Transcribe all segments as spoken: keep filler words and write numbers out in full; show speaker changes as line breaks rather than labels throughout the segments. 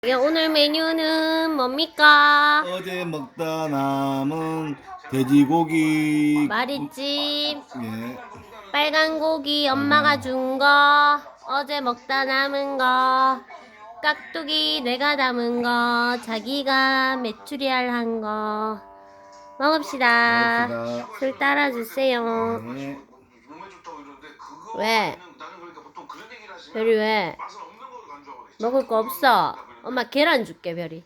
이게 오늘 메뉴는 뭡니까?
어제 먹다 남은 돼지고기.
마리찜,
예.
빨간 고기 엄마가 준 거, 어제 먹다 남은 거, 깍두기 내가 담은 거, 자기가 메추리알 한 거. 먹읍시다.
먹읍시다.
술 따라주세요.
네.
왜? 별이 왜? 먹을 거 없어. 엄마 계란 줄게, 별이.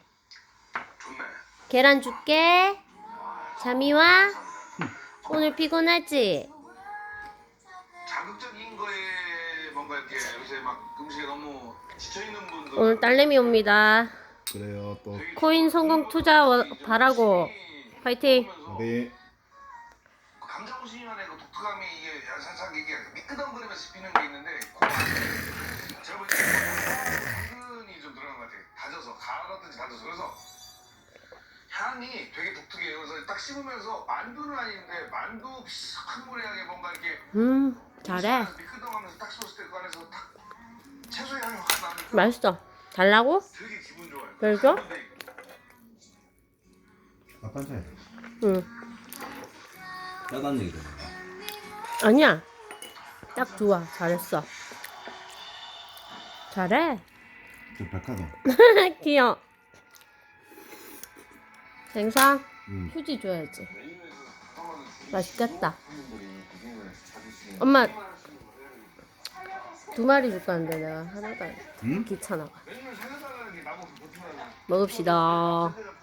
계란 줄게. 잠이 와? 오늘 피곤하지?
자극적인 거에 뭔가 이렇게 요새 막 음식에 너무 지쳐 있는 분들
오늘 딸내미 옵니다.
그래요 또.
코인 성공 투자 워- 바라고. 파이팅.
네.
감자 무심한의 그 독특함이 이게 살짝 이게 미끄덩거리면서 씹히는 게 있는데 제가 보기에 당근이 좀 들어간 것 같아요. 다져서 갈아든지 다져서 그래서 향이 되게 독특해요. 그래서 딱 씹으면서 만두는 아닌데 만두 비슷하게 뭔가 이렇게
음, 잘해.
미끄덩하면서 딱 씹었을 때 그 안에서 딱 채소의 향이 확 나니까
맛있어. 달라고?
되게 기분 좋아요.
별 줘?
아빠 차이.
응.
짜다는 얘기잖아.
아니야. 딱 좋아. 잘했어. 잘해.
저 백화점.
귀여워. 생선?
음.
휴지 줘야지. 맛있겠다. 엄마 두 마리 줄 건데 내가 하나도 안
응?
귀찮아. 먹읍시다.